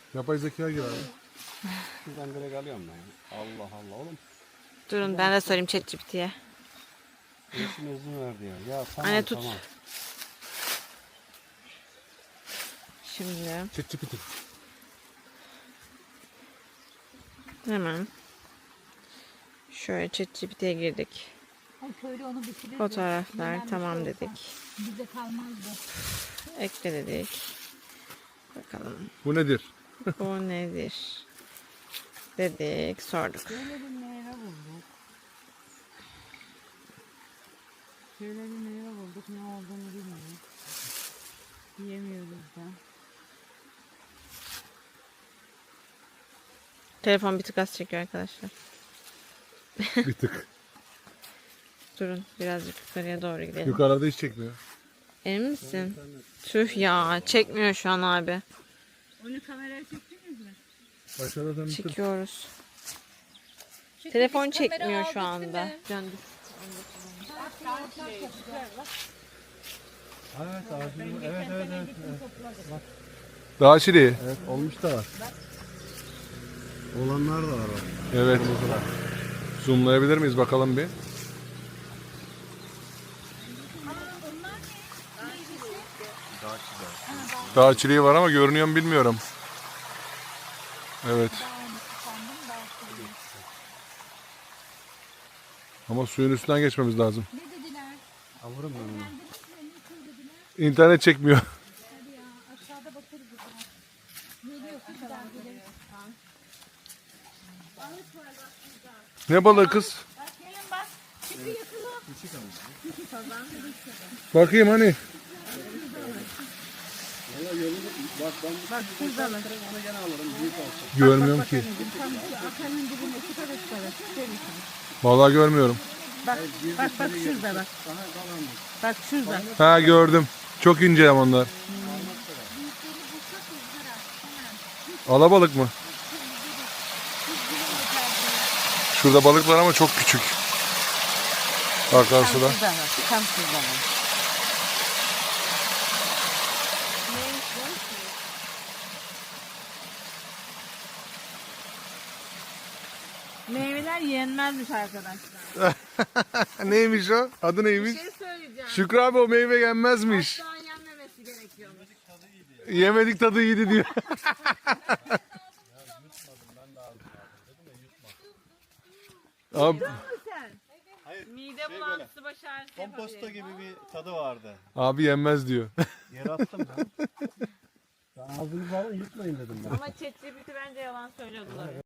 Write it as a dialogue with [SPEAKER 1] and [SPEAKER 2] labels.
[SPEAKER 1] Yapay zeka gibi abi.
[SPEAKER 2] Şuradan direkt alıyorum ben. Allah Allah oğlum.
[SPEAKER 3] Durun ben de sorayım ChatGPT'ye.
[SPEAKER 2] Eşim izin verdi ya. Ya tamam
[SPEAKER 3] Anne tut.
[SPEAKER 2] tamam.
[SPEAKER 3] Şimdi
[SPEAKER 1] ChatGPT.
[SPEAKER 3] hemen şöyle ChatGPT'ye girdik.
[SPEAKER 4] Ay köylü onu bitirir.
[SPEAKER 3] Fotoğraflar tamam dedik.
[SPEAKER 4] Bize kalmazdı.
[SPEAKER 3] Ekle dedik. Bakalım
[SPEAKER 1] Bu nedir?
[SPEAKER 3] bu nedir? Dedik sorduk.
[SPEAKER 4] Şöyle bir meyve bulduk. Şöyle bir meyve bulduk. Ne olduğunu bilmiyoruz. Yiyemiyoruz da.
[SPEAKER 3] Telefon bir tık az çekiyor arkadaşlar.
[SPEAKER 1] Bir tık.
[SPEAKER 3] Durun birazcık yukarıya doğru gidelim.
[SPEAKER 1] Yukarıda hiç çekmiyor.
[SPEAKER 3] Emin misin? Tüh ya çekmiyor şu an abi.
[SPEAKER 4] Onu kameraya çektiniz mi?
[SPEAKER 1] Aşağıda sen bitir.
[SPEAKER 3] Çekiyoruz. Telefon çekmiyor şu anda. Döndük.
[SPEAKER 2] Evet ağacın. Evet.
[SPEAKER 1] Daha çileği.
[SPEAKER 2] Evet olmuş da var. Olanlar da var bak.
[SPEAKER 1] Evet. Zoomlayabilir miyiz bakalım bir? Daha çileği var ama görünüyor mu bilmiyorum. Evet. Ama suyun üstünden geçmemiz lazım.
[SPEAKER 4] Ne dediler?
[SPEAKER 2] Alırım ben onu.
[SPEAKER 1] İnternet çekmiyor.
[SPEAKER 4] Hadi ya aşağıda bakarız o zaman. Geliyorsun kadar geliriz.
[SPEAKER 1] Ne balığı kız?
[SPEAKER 4] Bak gelin bak. Çıkı yakılı.
[SPEAKER 1] Bakayım hani.
[SPEAKER 4] Bak şurada bak.
[SPEAKER 1] Görmüyorum ki.
[SPEAKER 4] Tam şu akanın dibinde şu kadar şu kadar. Şöyle şu.
[SPEAKER 1] Vallahi görmüyorum.
[SPEAKER 4] Bak şurada bak. Bak şurada.
[SPEAKER 1] Ha gördüm. Çok ince ama onlar. Alabalık mı? Şurada balık var ama çok küçük. Akarsuda.
[SPEAKER 4] Şurada bak. Tam şurada bak. Meyveler yenmezmiş arkadaşlar.
[SPEAKER 1] Neymiş o? Adı neymiş?
[SPEAKER 3] Bir şey söyleyeceğim.
[SPEAKER 1] Şükrü abi o meyve yenmezmiş.
[SPEAKER 3] Daha yenmemesi gerekiyormuş.
[SPEAKER 1] Yemedik tadı iyiydi diyor. Abi,
[SPEAKER 3] Mide bulantısı baş ağrısı
[SPEAKER 2] Komposto
[SPEAKER 3] yapabilir.
[SPEAKER 2] gibi bir tadı vardı.
[SPEAKER 1] abi yenmez diyor.
[SPEAKER 2] Yere attım ben. Ağzını falan yutmayın dedim ben.
[SPEAKER 3] Ama ChatGPT bence yalan söylüyordular.